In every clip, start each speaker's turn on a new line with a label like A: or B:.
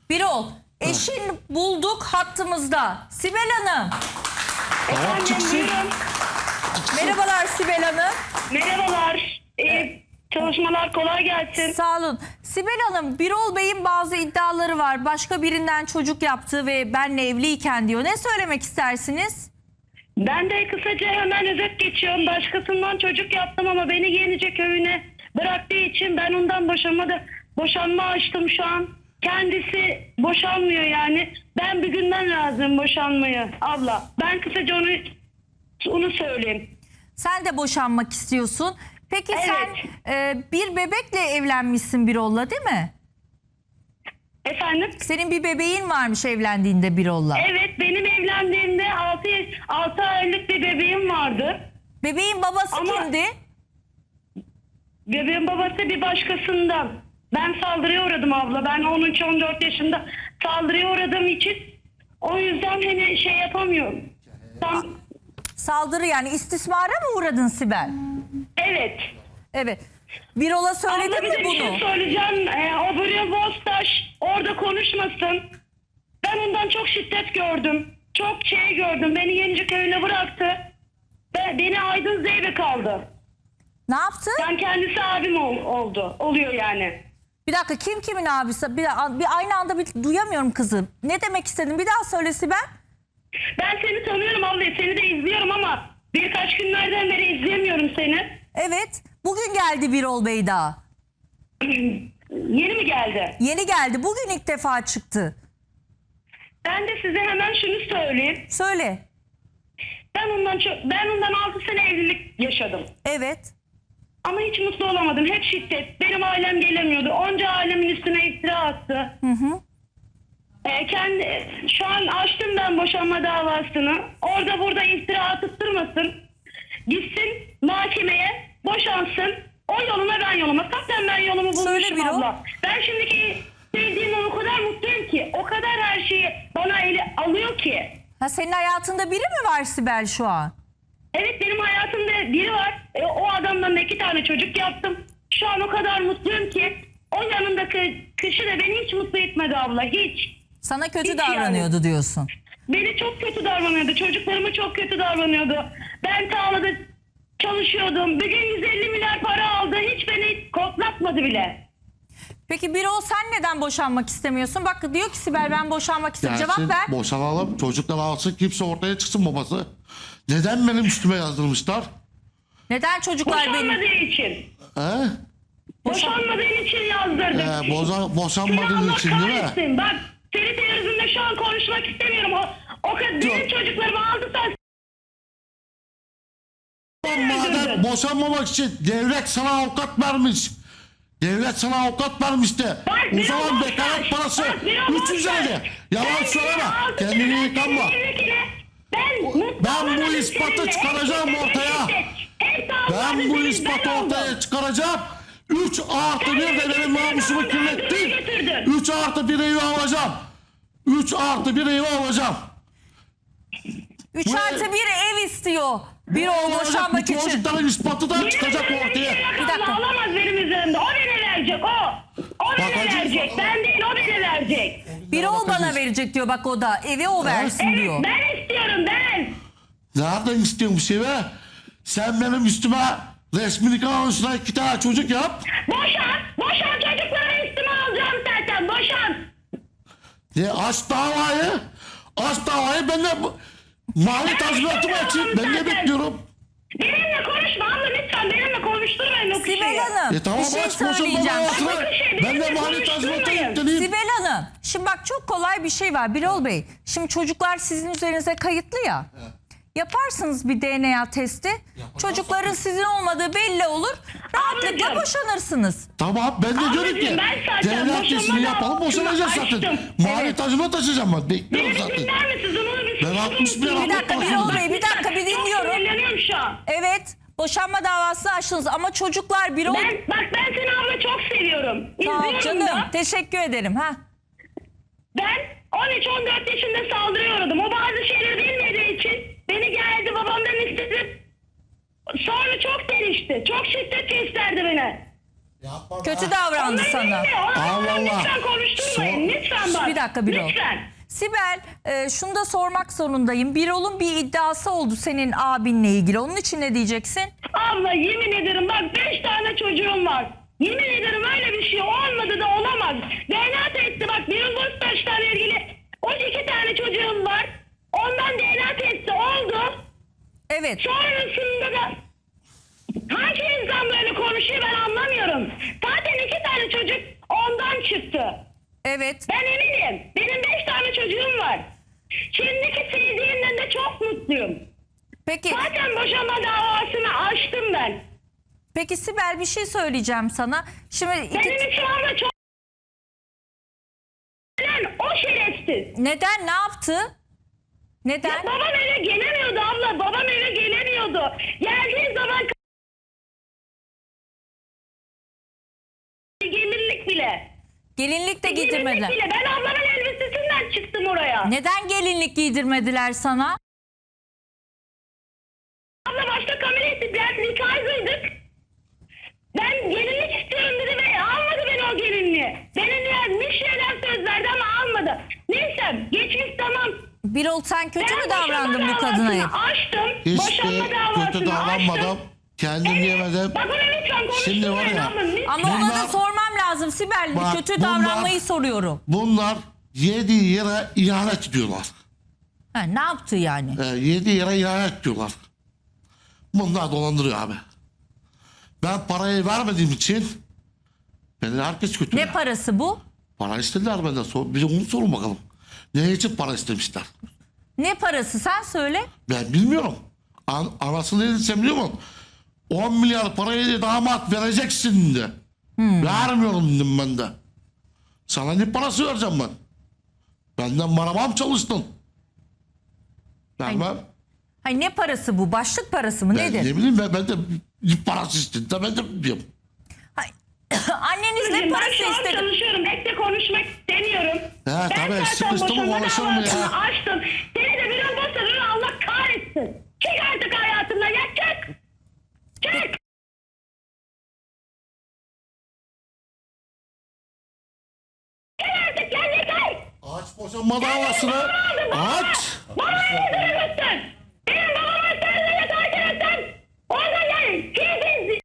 A: Birol, eşin bulduk hattımızda. Sibel Hanım.
B: Tamam çıksın.
C: Buyurun.
A: Merhabalar Sibel Hanım.
C: Merhabalar. Çalışmalar kolay gelsin.
A: Sağ olun. Sibel Hanım, Birol Bey'in bazı iddiaları var. Başka birinden çocuk yaptı ve benle evliyken diyor. Ne söylemek istersiniz?
C: Ben de kısaca hemen özet geçiyorum. Başkasından çocuk yaptım ama beni Yenice köyüne bıraktığı için ben ondan boşanma açtım şu an. Kendisi boşanmıyor yani. Ben bir günden razıyım boşanmaya abla. Ben kısaca onu söyleyeyim.
A: Sen de boşanmak istiyorsun. Peki
C: Evet.
A: sen bir bebekle evlenmişsin Birol'la, değil mi?
C: Efendim?
A: Senin bir bebeğin varmış evlendiğinde Birol'la.
C: Evet, benim evlendiğimde 6 aylık bir bebeğim vardı.
A: Bebeğin babası
C: Ama-
A: kimdi?
C: Bebeğin babası bir başkasından. Ben saldırıya uğradım abla. Ben 13-14 yaşında saldırıya uğradığım için o yüzden hani şey yapamıyorum.
A: Saldırı, yani istismara mı uğradın Sibel?
C: Evet.
A: Evet. Birol'a
C: Abla
A: söyledin
C: bir de
A: mi
C: bir
A: bunu?
C: şey söyleyeceğim. O buraya Bostaş orada konuşmasın. Ben ondan çok şiddet gördüm. Çok şey gördüm. Beni Yenice köyüne bıraktı. Beni Aydın Zeybek kaldı.
A: Ne yaptı?
C: Ben kendisi abim oluyor yani.
A: Bir dakika, kim kimin abisi? Bir aynı anda bir duyamıyorum kızım. Ne demek istedin? Bir daha söyle Sibel.
C: Ben seni tanıyorum abla. Seni de izliyorum ama birkaç günlerden beri izleyemiyorum seni.
A: Evet. Bugün geldi Birol Bey daha.
C: Yeni mi geldi?
A: Yeni geldi. Bugün ilk defa çıktı.
C: Ben de size hemen şunu söyleyeyim.
A: Söyle.
C: Ben ondan 6 sene evlilik yaşadım.
A: Evet.
C: Ama hiç mutlu olamadım. Hep şiddet. Benim ailem gelemiyordu. Onca ailemin üstüne iftira attı.
A: Hı hı.
C: Şu an açtım ben boşanma davasını. Orada burada iftira atıp durmasın. Gitsin mahkemeye, boşansın. O yoluna ben yoluma. Zaten ben yolumu
A: Söyle
C: bulmuşum
A: Birol.
C: abla. Ben şimdiki sevdiğimle o kadar mutluyum ki. O kadar her şeyi bana ele alıyor ki.
A: Ha, senin hayatında biri mi var Sibel şu an?
C: Evet, benim hayatımda biri var. O adamdan da 2 tane çocuk yaptım. Şu an o kadar mutluyum ki. O yanındaki kişi de beni hiç mutlu etmedi abla. Hiç.
A: Sana kötü
C: Hiç
A: davranıyordu diyorsun.
C: Beni çok kötü davranıyordu. Çocuklarıma çok kötü davranıyordu. Ben tarlada çalışıyordum. Bir gün 150 milyar para aldı. Hiç beni koklatmadı bile.
A: Peki Birol, sen neden boşanmak istemiyorsun? Bak diyor ki Sibel, ben boşanmak istiyorum.
B: Gelsin,
A: Cevap ver.
B: boşanalım, çocuklar alsın, kimse ortaya çıksın babası. Neden benim üstüme yazdırmışlar?
A: Neden çocuklar
C: Boşanmadığı
A: benim...
C: için.
B: He?
C: Boşanmadığın için yazdırdık.
B: Boşanmadığın
C: Allah
B: için değil mi?
C: kahretsin. Bak, seni televizyonda şu an konuşmak istemiyorum. O kadar benim çocuklarımı aldı sen.
B: Madem boşanmamak için devlet sana avukat vermiş. Devlet sana avukat vermiş de.
C: Bak,
B: O
C: bir
B: zaman
C: avukat
B: bekaret
C: ver.
B: parası
C: Bak, bir avukat
B: 300
C: ver.
B: lira. Yalan
C: Ben
B: söyleme.
C: altı
B: Kendini
C: sene
B: yıkanma.
C: Ben
B: bu ispatı çıkaracağım ortaya. Ben bu ispatı ortaya çıkaracağım. 3 artı 1 de benim namusumu kirlettin. 3 artı 1 evi alacağım. 3 artı 1 evi alacağım.
A: 3
B: Bu
A: artı 1 ev istiyor Birol boşanmak
B: Bu
A: için.
B: çocukların ispatı da çıkacak ortaya.
C: Bir dakika. Alamaz benim üzerimde. O beni verecek o. O beni
B: Bakacağız.
C: verecek. Ben değil, o beni verecek.
A: Birol bana verecek diyor, bak o da. Evi o versin diyor.
C: Evet, ben istiyorum ben.
B: Nereden istiyorsun bu be? Sen benim üstüme resmi nikah anonsuna 2 tane çocuk yap.
C: Boşan çocukları üstüme alacağım zaten. Boşan.
B: Aç davayı. Aç davayı, ben de mali tazminatımı açayım. Ben de bekliyorum.
C: Benimle konuşma abla lütfen. Benimle konuşturmayın o kişiyi.
A: Sibel Hanım,
B: Tamam,
A: bir şey
B: aç boşanma
A: söyleyeceğim.
B: davasını. Ben de
C: benimle
B: mali tazminatı
C: konuşturmayın.
B: yükleneyim.
A: Sibel Hanım, şimdi bak çok kolay bir şey var Birol Bey. Şimdi çocuklar sizin üzerinize kayıtlı ya. Yaparsınız bir DNA testi. Çocukların sizin olmadığı belli olur. Rahatlıkla
C: Ablacığım.
A: boşanırsınız.
B: Tamam, ben de diyorum ki
C: ben zaten
B: devlet
C: boşanma
B: testini yapalım, boşanacağız
C: davasını
B: zaten.
C: açtım.
B: Mali
A: Evet.
B: tazminat açacağım ben. Bekliyorum
C: Beni
B: zaten.
C: dinler misiniz? Onu bir
B: Ben 60 bin lira
A: Bir dakika Birol Bey, bir dakika bir
C: Çok
A: dinliyorum.
C: sinirleniyorum şu an.
A: Evet, boşanma davası açtınız ama çocuklar Birol...
C: Ben seni abla çok seviyorum.
A: Sağ ol
C: İzliyorum
A: canım,
C: da.
A: teşekkür ederim. Ha.
C: Ben 13-14 yaşında saldırıya uğradım. O bazı şeyleri bilmediği için beni geldi babamdan istedi. Sonra çok değişti. Çok şiddet gösterdi beni.
A: Kötü davrandı sana.
B: Allah Allah.
C: Lütfen konuşturmayın. Lütfen bak.
A: Bir dakika Birol.
C: Lütfen.
A: Sibel şunu da sormak zorundayım. Birol'un bir iddiası oldu senin abinle ilgili. Onun için ne diyeceksin?
C: Abla yemin ederim bak 5 tane çocuğum var. Yemin ederim öyle bir şey olmadı da olamaz. DNA testi bak Birol Boztaş'la ilgili 12 tane çocuğum var. Ondan DNA testi oldu.
A: Evet.
C: Sonrasında da hangi insan böyle konuşuyor ben anlamıyorum. Zaten 2 tane çocuk ondan çıktı.
A: Evet.
C: Ben eminim. Benim 5 tane çocuğum var. Şimdiki sevdiğimden de çok mutluyum.
A: Peki.
C: Zaten boşanma davasını açtım ben.
A: Peki Sibel bir şey söyleyeceğim sana. Şimdi
C: Benim şu anda çok... O şerefsiz.
A: neden ne yaptı? Neden?
C: Ya babam eve gelemiyordu abla. Babam eve gelemiyordu. Geldiği zaman gelinlik bile.
A: Gelinlik de
C: Gelinlik
A: giydirmediler.
C: bile. Ben ablamın elbisesinden çıktım oraya.
A: Neden gelinlik giydirmediler sana?
C: Abla başta kamera etti. Biz nikahlıydık. Ben gelinlik istiyorum dedi ve almadı beni o gelinliği. Benim bir şeyler söz verdi ama almadı. Neyse geçmiş tamam.
A: Birol sen kötü mü
C: Ben
A: davrandın
C: boşanma
A: bu kadına?
C: davasını açtım.
B: Hiç
C: Boşanma
B: de
C: davasını
B: kötü davranmadım.
C: açtım.
B: Kendim yemedim.
C: Bak ona lütfen
B: Şimdi var ya,
A: Ama ona da
B: Bunlar-
A: sormam lazım Sibel.
B: Bak,
A: Kötü
B: bunlar-
A: davranmayı soruyorum.
B: Bunlar yediği yere ihanet ediyorlar.
A: Ha, ne yaptı yani?
B: Yediği yere ihanet ediyorlar. Bunlar dolandırıyor abi. Ben parayı vermediğim için beni herkes kötü.
A: Ne parası bu?
B: Para istediler benden. Bir de onu sorun bakalım. Ne için para istemişler?
A: Ne parası sen söyle.
B: Ben bilmiyorum. Anasını edilsem biliyor musun? 10 milyar parayı damat vereceksin de. Vermiyorum dedim ben de. Sana ne parası vereceğim ben? Benden maramam çalıştın. Vermem.
A: Hayır, ne parası bu? Başlık parası mı?
B: Ben
A: Nedir?
B: ne bileyim ben de parası istedim de ben de biliyorum.
A: Hayır. Anneniz ne
C: Ben
A: parası
C: şu an
A: istedi?
C: çalışıyorum. Bekle konuşmak istemiyorum.
B: He, tabii,
C: zaten
B: sıkıştı mı
C: boşanma
B: konuşur mu ya?
C: davasını açtım. Seni de bir olmazsa Allah kahretsin. Çık artık hayatımdan ya çık. Çık. Çık artık ya yeter.
B: Aç boşanma davasını. Aç.
C: Bana ne duruyorsun? Benim babamın sözünü takip etsen. Orada yani siz.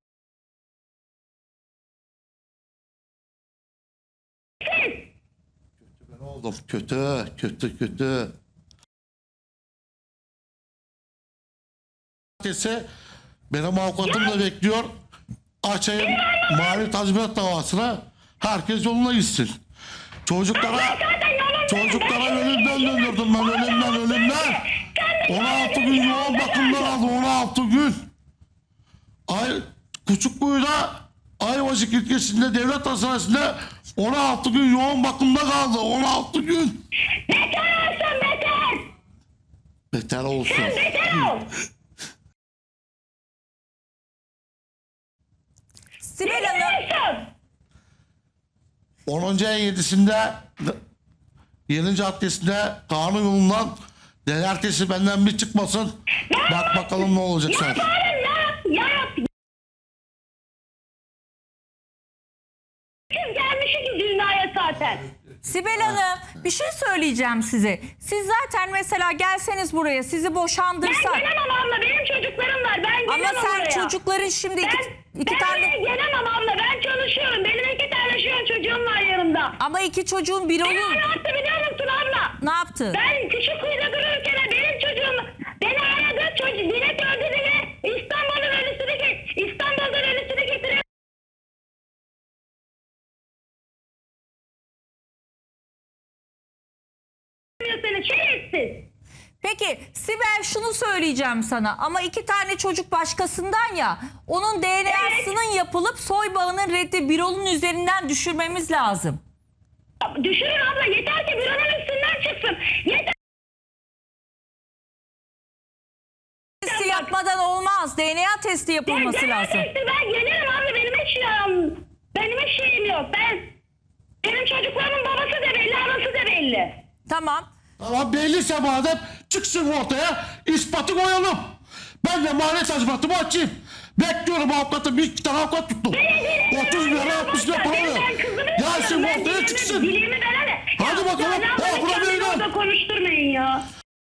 B: Ben oldum. Kötü. Herkese benim avukatım da bekliyor. Açayım mali tazminat davasına. Herkes yoluna gitsin. Çocuklara ölümden döndürdüm ben. Ölümden. 16 gün yoğun bakımdan aldım. 16 gün. Küçükkuyu'da Ayvacık ilçesinde devlet hastanesinde 16 gün yoğun bakımda kaldı. 16 gün.
C: Beter olsun beter.
B: Beter olsun.
C: Beter ol.
A: Sibel Hanım.
B: 10. ayın 7'sinde Yeni Caddesi'nde kanun yolundan denertesi benden bir çıkmasın. Bak bakalım ne olacak sen.
C: Ya. Kız gelmiş ki dünyaya zaten.
A: Sibel Hanım bir şey söyleyeceğim size. Siz zaten mesela gelseniz buraya sizi
C: Ben
A: boşandırsak.
C: gelemem abla benim çocuklarım var. Ben
A: Ama
C: gelemem
A: sen
C: oraya.
A: çocukların şimdi iki
C: Ben
A: tane.
C: oraya gelemem abla. Ben çalışıyorum. Benim 2 tane şu an çocuğum var yanımda.
A: Ama iki çocuğun biri
C: Beni
A: olur.
C: ne yaptı biliyor musun abla?
A: Ne yaptı?
C: Ben Küçükkuyu'da dururken benim çocuğum beni aradı. Dilek öldürdü ve İstanbul'dan ölüsünü getiriyor. Seni şerefsiz.
A: Peki Sibel şunu söyleyeceğim sana ama iki tane çocuk başkasından ya onun DNA'sının yapılıp soy bağının reddi Birol'un üzerinden düşürmemiz lazım.
C: Düşürün abla yeter ki bir onun üstünden çıksın. Yeter.
A: Testi yapmadan olmaz. DNA testi yapılması
C: Ben
A: lazım.
C: Ben gelirim abla benim hiç şeyim yok. Benim çocuklarımın babası da belli, anası da belli.
A: Tamam.
B: Ama belliyse madem çıksın ortaya ispatı koyalım. Ben de mali tazminatımı açayım. Bekliyorum avukatı. Bir iki tane avukat tuttum. 30 lira 60 lira para ver. Gelsin ortaya çıksın.
C: Dilimi verene.
B: Hadi bakalım.
C: Ya ne yapalım,
B: Bırak
C: kendini
B: beni.
C: orada konuşturmayın ya.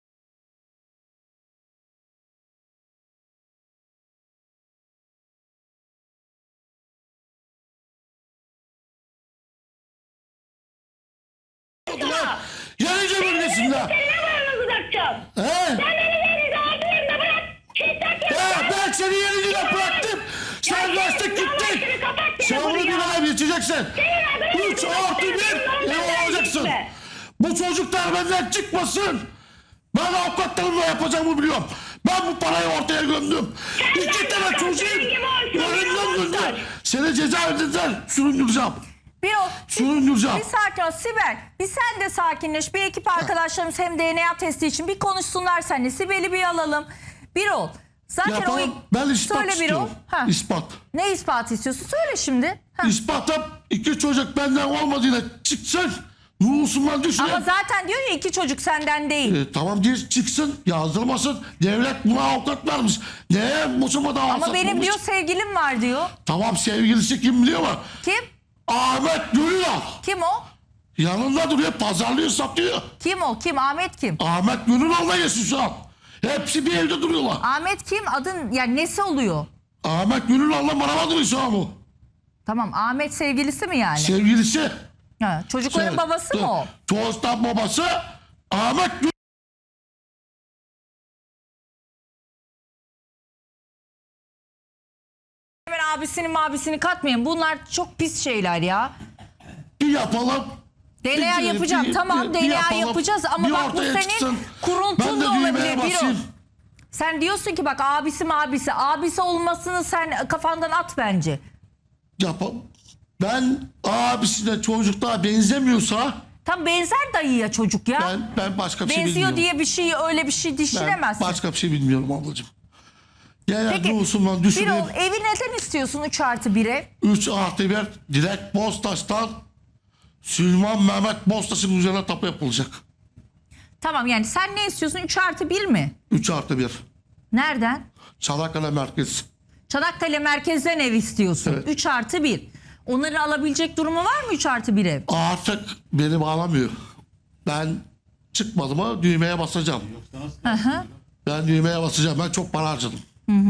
B: Yenice bölgesinde.
C: Seni ne varını bırakacağım?
B: He?
C: Sen beni yerinde altı yerine bırak. Şiddet yapma.
B: Ben seni yenice bıraktım. Sen kaçtık gittin. Sen bunu bir ay geçeceksin. 3 artı 1 ev alacaksın. Bu çocuklar benden çıkmasın. Ben avukatlarımla yapacağımı biliyorum. Ben bu parayı ortaya gömdüm. 2 tane çocuğun önünden döndü. Seni cezaevinden süründüreceğim. Süründüreceğim.
A: Bir sakin ol Sibel. Bir sen de sakinleş. Bir ekip arkadaşlarımız hem DNA testi için bir konuşsunlar seninle. Sibel'i bir alalım. Bir ol. Zaten
B: Yapalım. Ben ispat
A: Söyle bir ol.
B: istiyorum.
A: Ha.
B: İspat.
A: Ne ispatı istiyorsun? Söyle şimdi. Ha.
B: İspatım 2 çocuk benden olmadığıyla çıksın. Nurulsundan düşünün.
A: Ama zaten diyor ya 2 çocuk senden değil.
B: Tamam diye çıksın, yazdırmasın. Devlet buna avukat vermiş. Neye boşama davası
A: Ama benim
B: açmamış?
A: diyor sevgilim var diyor.
B: Tamam, sevgilisi kim biliyor mu?
A: Kim?
B: Ahmet Gönülal.
A: Kim o?
B: Yanında duruyor, pazarlıyor, satıyor.
A: Kim o? Kim? Ahmet kim?
B: Ahmet Gönülal'la yaşıyor şu an. Hepsi bir evde duruyorlar.
A: Ahmet kim? Adın yani nesi oluyor?
B: Ahmet Gönülal'la beraber duruyor şu an bu.
A: Tamam, Ahmet sevgilisi mi yani?
B: Sevgilisi.
A: Ha, çocukların babası mı o?
B: Çoğustan babası Ahmet Gönülal'la
A: Hemen abisini katmayın. Bunlar çok pis şeyler ya.
B: yapalım.
A: DNA yapacağım. Tamam, DNA
B: yapalım.
A: yapacağız ama
B: Bir
A: bak bu
B: ortaya
A: senin
B: çıksın.
A: kuruntun
B: Ben de
A: da
B: düğmeye
A: olabilir. Bir o.
B: basayım.
A: Sen diyorsun ki bak abisi olmasını sen kafandan at bence.
B: Yapalım. Ben abisine çocuklar benzemiyorsa
A: Tam benzer dayıya çocuk ya.
B: ben başka bir şey
A: Benziyor
B: bilmiyorum.
A: diye bir şey öyle bir şey
B: Ben
A: düşünemezsin.
B: başka bir şey bilmiyorum ablacığım. Genel
A: Peki
B: nüfusundan
A: bir
B: düşüneyim.
A: ol, evi neden istiyorsun 3+1'e?
B: 3 artı 1 direkt Bostaş'tan Süleyman Mehmet Bostaş'ın üzerine tapu yapılacak.
A: Tamam, yani sen ne istiyorsun 3+1 mi?
B: 3 artı 1.
A: Nereden?
B: Çanakkale merkez.
A: Çanakkale merkezden ev istiyorsun.
B: Evet.
A: 3+1. Onların alabilecek durumu var mı 3+1 ev?
B: Artık beni bağlamıyor. Ben çıkmadım ama düğmeye basacağım.
A: Hı hı.
B: Ben düğmeye basacağım. Ben çok para harcadım.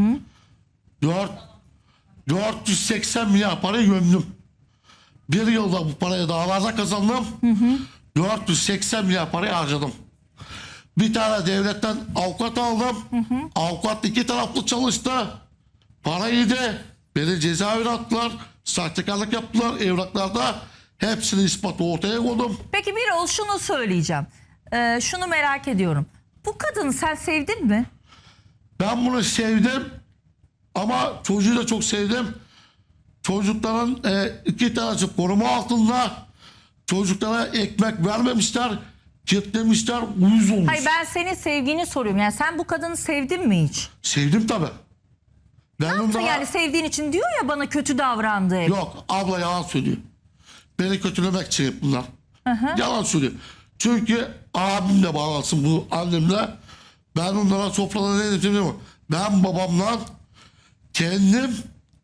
B: 480 milyar parayı gömdüm. Bir yılda bu parayı dağlarda kazandım. 480 milyar parayı harcadım. Bir tane devletten avukat aldım. Avukat 2 taraflı çalıştı. Parayı da beni cezaevine attılar. Sahtekarlık yaptılar evraklarda. Hepsini ispatı ortaya koydum.
A: Peki bir ol, şunu söyleyeceğim. Şunu merak ediyorum. Bu kadını sen sevdin mi?
B: Ben bunu sevdim. Ama çocuğu da çok sevdim. Çocukların 2 tanesi koruma altında. Çocuklara ekmek vermemişler. Kitlemişler. Uyuz olmuş.
A: Hayır, ben senin sevgini soruyorum. Yani sen bu kadını sevdin mi hiç?
B: Sevdim tabii. Ben
A: Yaptın yani sevdiğin için diyor ya bana kötü davrandı hep.
B: Yok, abla yalan söylüyor. Beni kötülemek için hep bunlar. Yalan söylüyor. Çünkü abimle bağlansın bu annemle. Ben onlara sofrada ne dedim biliyor musun? Ben babamla kendim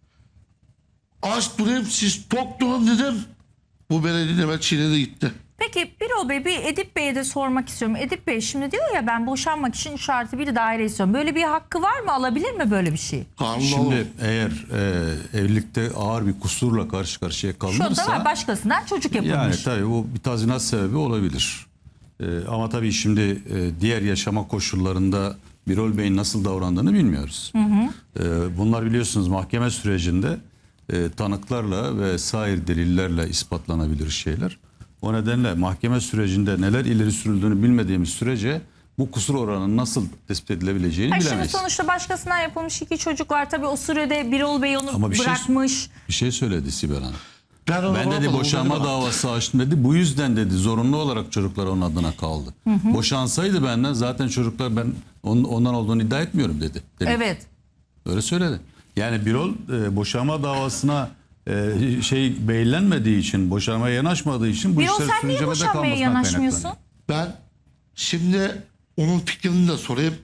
B: aç durayım, siz tok durun dedim. Bu beni dinleme çiğnedi gitti.
A: Peki Birol Bey, bir Edip Bey'e de sormak istiyorum. Edip Bey şimdi diyor ya ben boşanmak için 3+1 daire istiyorum. Böyle bir hakkı var mı? Alabilir mi böyle bir şey?
D: Şimdi eğer evlilikte ağır bir kusurla karşı karşıya
A: Şu anda var,
D: kalınırsa
A: başkasından çocuk yapılmış.
D: yani tabii o bir tazminat sebebi olabilir. Ama tabii şimdi diğer yaşama koşullarında Birol Bey'in nasıl davrandığını bilmiyoruz. Bunlar biliyorsunuz mahkeme sürecinde tanıklarla ve sair delillerle ispatlanabilir şeyler. O nedenle mahkeme sürecinde neler ileri sürüldüğünü bilmediğimiz sürece bu kusur oranının nasıl tespit edilebileceğini
A: Hayır, şimdi
D: bilemeyiz.
A: sonuçta başkasından yapılmış 2 çocuk var. Tabii o sürede Birol Bey onu
D: Ama
A: bırakmış.
D: Bir şey söyledi Sibel Hanım.
B: onu
D: Ben dedi
B: bırakmadım,
D: boşanma
B: onu
D: davası açtım dedi. Bu yüzden dedi zorunlu olarak çocuklar onun adına kaldı. Boşansaydı benden zaten çocuklar ben ondan olduğunu iddia etmiyorum dedi.
A: Evet.
D: Öyle söyledi. Yani Birol boşanma davasına beylenmediği için, boşanmaya yanaşmadığı için bu
A: Birol
D: işler
A: sen niye
D: sürüncemede
A: boşanmaya
D: kalmasından
A: yanaşmıyorsun?
D: kaynaklanıyor.
B: Ben şimdi onun fikrini de sorayım.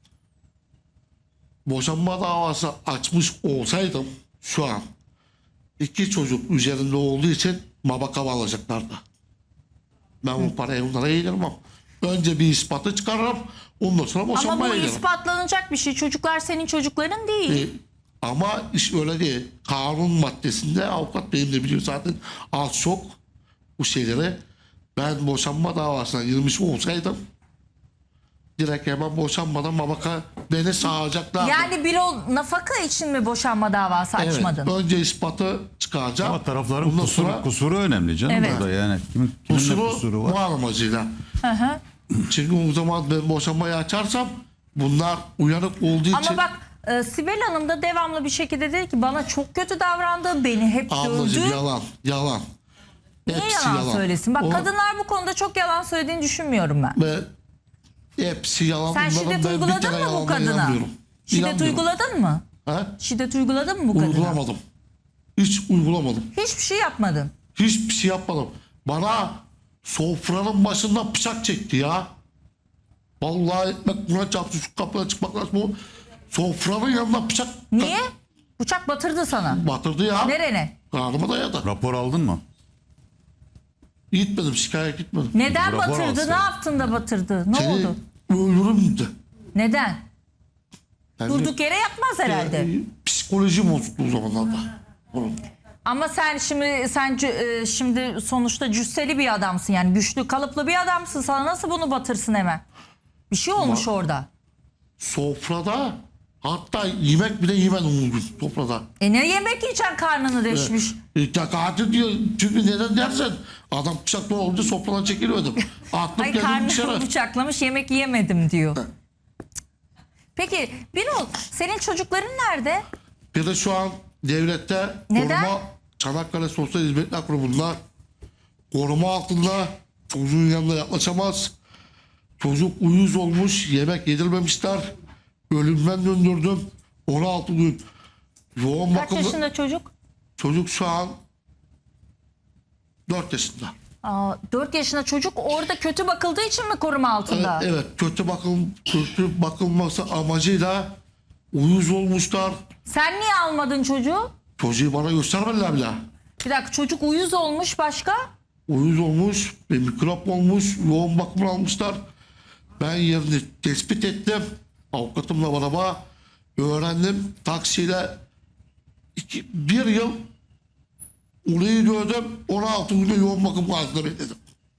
B: Boşanma davası açmış olsaydım şu an 2 çocuk üzerinde olduğu için mabaka alacaklardı. Ben bu parayı onlara yedirmem. Önce bir ispatı çıkarırım. Ondan sonra
A: Ama
B: boşanmaya
A: bu
B: giderim.
A: ispatlanacak bir şey. Çocuklar senin çocukların değil.
B: Ama iş öyle değil. Kanun maddesinde avukat benim de biliyor zaten az çok bu şeyleri. Ben boşanma davasına girmiş olsaydım direkt hemen boşanmadan babaka beni sağacaklardı.
A: Yani Birol nafaka için mi boşanma davası
B: Evet,
A: açmadın?
B: önce ispatı çıkaracağım.
D: Ama tarafların
B: Ondan sonra
D: kusuru önemli canım
A: Evet.
D: burada yani. Kimin ne kusuru var?
B: var amacıyla.
A: Hı hı.
B: Çünkü o zaman ben boşanmayı açarsam bunlar uyanık olduğu için...
A: Ama bak Sibel Hanım da devamlı bir şekilde dedi ki bana çok kötü davrandı, beni hep
B: Ablacığım
A: dövdü.
B: yalan.
A: Niye
B: Hepsi
A: yalan söylesin? Bak
B: O-
A: kadınlar bu konuda çok yalan söylediğini düşünmüyorum ben.
B: Ve hepsi yalan.
A: Sen
B: Bunların
A: şiddet
B: ben bir
A: uyguladın
B: tane
A: mı bu
B: yalanına
A: kadına?
B: inanmıyorum.
A: Şiddet
B: İnanmıyorum.
A: uyguladın mı?
B: Ha?
A: Şiddet uyguladın mı bu kadına?
B: Uygulamadım. Hiç uygulamadım.
A: Hiçbir şey yapmadın.
B: Hiçbir şey yapmadım. Bana sofranın başından bıçak çekti ya. Vallahi ekmek buna çarptı, şu kapıdan çıkmak lazım. Bu sofranın yanına bıçak
A: Niye? Bıçak batırdı sana.
B: batırdı ya.
A: Nerene?
B: Karnıma dayadı.
D: Rapor aldın mı?
B: Gitmedim, şikayet gitmedim.
A: Neden
D: Rapor
A: batırdı?
D: alsaydın.
A: Ne yaptın da batırdı? Ne
B: Seni
A: oldu?
B: öldürürüm dedi.
A: Neden?
B: Yani,
A: Durduk yere yapmaz herhalde.
B: Psikoloji bozuktu o zamanlarda. Onun.
A: Ama sen şimdi sonuçta cüsseli bir adamsın, yani güçlü kalıplı bir adamsın. Sana nasıl bunu batırsın hemen? Bir şey olmuş orada.
B: Sofrada hatta yemek bile yemedim o gün sofrada.
A: Ne yemek yiyeceksin, karnını deşmiş.
B: Katil diyor. Çünkü neden dersen adam bıçakla olunca sofradan çekilmedim. Attım
A: Ay,
B: geldim
A: karnını
B: dışarı.
A: bıçaklamış, yemek yiyemedim diyor. Peki Birol, senin çocukların nerede?
B: Bir de şu an devlette
A: Neden?
B: koruma Çanakkale Sosyal Hizmetler Kurumu'nda koruma altında, çocuğun yanına yaklaşamaz. Çocuk uyuz olmuş, yemek yedirmemişler. Ölümden döndürdüm. 16 gün. Yoğun
A: Kaç
B: bakımda.
A: yaşında çocuk?
B: Çocuk şu an 4 yaşında.
A: 4 yaşında çocuk orada kötü bakıldığı için mi koruma altında?
B: Evet, kötü bakılması amacıyla uyuz olmuşlar.
A: Sen niye almadın çocuğu?
B: Çocuğu bana göstermediler bile.
A: Bir dakika, çocuk uyuz olmuş, başka?
B: Uyuz olmuş, bir mikrop olmuş, yoğun bakımını almışlar. Ben yerini tespit ettim. Avukatımla beraber öğrendim. Taksiyle bir yıl orayı gördüm. 16 günde yoğun bakım altında bekledim.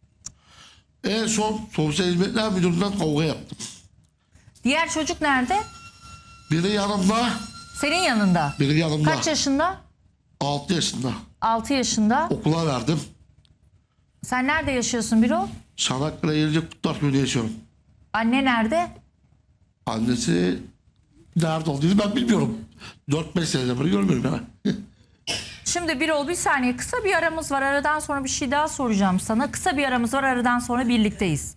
B: En son Sosyal Hizmetler Müdürlüğü'nden kavga yaptım.
A: Diğer çocuk nerede?
B: Biri yanımda,
A: Senin yanında.
B: biri yanımda.
A: Kaç yaşında?
B: 6 yaşında.
A: 6 yaşında.
B: Okula verdim.
A: Sen nerede yaşıyorsun Birol?
B: Çanakkale Yelicek Kutlar Köyü'nde yaşıyorum.
A: Anne nerede?
B: Annesi nerede olduğunu ben bilmiyorum. 4-5 seneden beri görmüyorum yani.
A: Şimdi Birol, bir saniye, kısa bir aramız var. Aradan sonra bir şey daha soracağım sana. Kısa bir aramız var, aradan sonra birlikteyiz.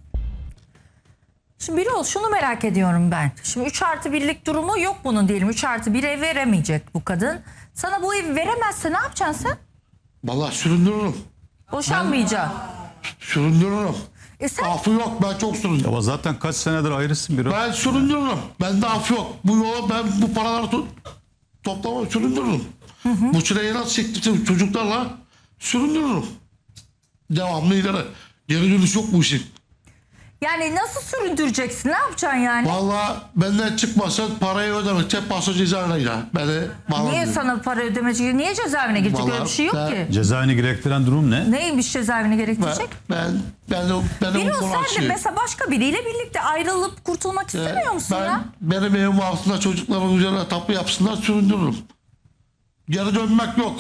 A: Şimdi Birol, şunu merak ediyorum ben. Şimdi 3+1'lik durumu yok bunun diyelim. 3+1 ev veremeyecek bu kadın. Sana bu evi veremezse ne yapacaksın sen?
B: Vallahi süründürürüm.
A: Boşanmayacaksın.
B: Süründürürüm.
A: Sen
B: Affı yok, ben çok süründürürüm.
D: Ama zaten kaç senedir ayrısın bir o.
B: Ben süründürürüm. Bende af yok. Bu yola ben bu paraları toplamam, süründürürüm. Bu çileyi nasıl çektim çocuklarla süründürürüm. Devamlı ileri. Geri dönüş yok bu işin.
A: yani nasıl süründüreceksin? Ne yapacaksın yani?
B: Vallahi benden çıkmasa parayı ödemek. Tek paso cezaevine gider. Beni
A: Niye sana para ödemeyecek? Niye cezaevine girecek? Öyle bir şey yok
B: Vallahi
A: ki.
D: Cezaevini gerektiren durum ne?
A: Neymiş cezaevine gerektirecek?
B: ben
A: Birol,
B: konu
A: sen de
B: açayım.
A: mesela başka biriyle birlikte ayrılıp kurtulmak istemiyor musun ya?
B: Benim evim altında çocukların üzerine tapu yapsınlar, süründürürüm. Geri dönmek yok.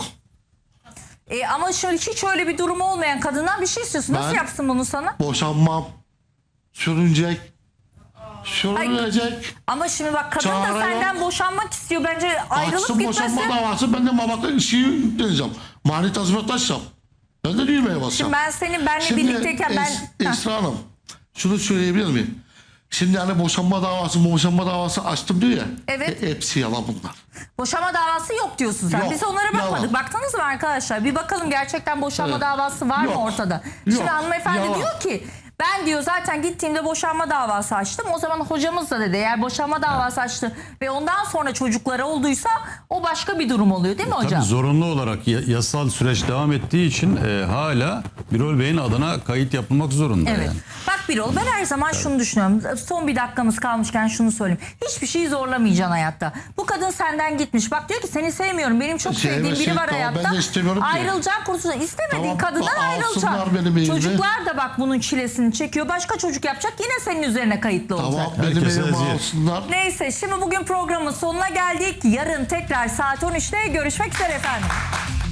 A: Ama şöyle hiç öyle bir durumu olmayan kadından bir şey istiyorsun. Nasıl
B: Ben-
A: yapsın bunu sana?
B: Boşanmam. Sürünecek. Sürünecek.
A: Ama şimdi bak, kadın da
B: Çare
A: senden
B: yok.
A: boşanmak istiyor. Bence ayrılıp
B: Açsın boşanma
A: gitmesi.
B: davası. Ben de mabaka işi yükleneceğim. Mani tazminat açacağım. Ben de düğmeye basacağım.
A: Şimdi ben senin benle birlikteyken ben...
B: Esra Hanım, şunu söyleyebilir miyim? Şimdi hani boşanma davası açtım diyor ya.
A: Evet.
B: Hepsi yalan bunlar.
A: Boşanma davası yok diyorsun sen.
B: Yok,
A: Biz onlara bakmadık.
B: yalan.
A: Baktınız mı arkadaşlar? Bir bakalım gerçekten boşanma
B: Evet.
A: davası var mı
B: Yok,
A: ortada?
B: yok,
A: Şimdi hanımefendi
B: yalan.
A: diyor ki Ben diyor zaten gittiğimde boşanma davası açtım. O zaman hocamız da dedi eğer boşanma davası açtı ve ondan sonra çocukları olduysa o başka bir durum oluyor değil mi hocam?
D: Tabii zorunlu olarak yasal süreç devam ettiği için hala Birol Bey'in adına kayıt yapılmak zorunda.
A: Evet.
D: Yani.
A: Bak Birol ben her zaman şunu düşünüyorum. Son bir dakikamız kalmışken şunu söyleyeyim. Hiçbir şeyi zorlamayacaksın hayatta. Bu kadın senden gitmiş. Bak diyor ki seni sevmiyorum. Benim çok sevdiğim biri var
B: tamam,
A: hayatta.
B: ben de istemiyorum ki.
A: Ayrılacaksın kurtulacaksın. İstemediğin
B: Tamam,
A: kadından
B: alsınlar
A: ayrılacaksın.
B: benim evimi.
A: Çocuklar da bak bunun çilesini çekiyor. Başka çocuk yapacak yine senin üzerine kayıtlı olacak.
B: Tamam benim
D: Herkese
B: evimi
D: eziyet.
B: alsınlar.
A: Neyse şimdi bugün programın sonuna geldik. Yarın tekrar saat 13'te görüşmek üzere efendim.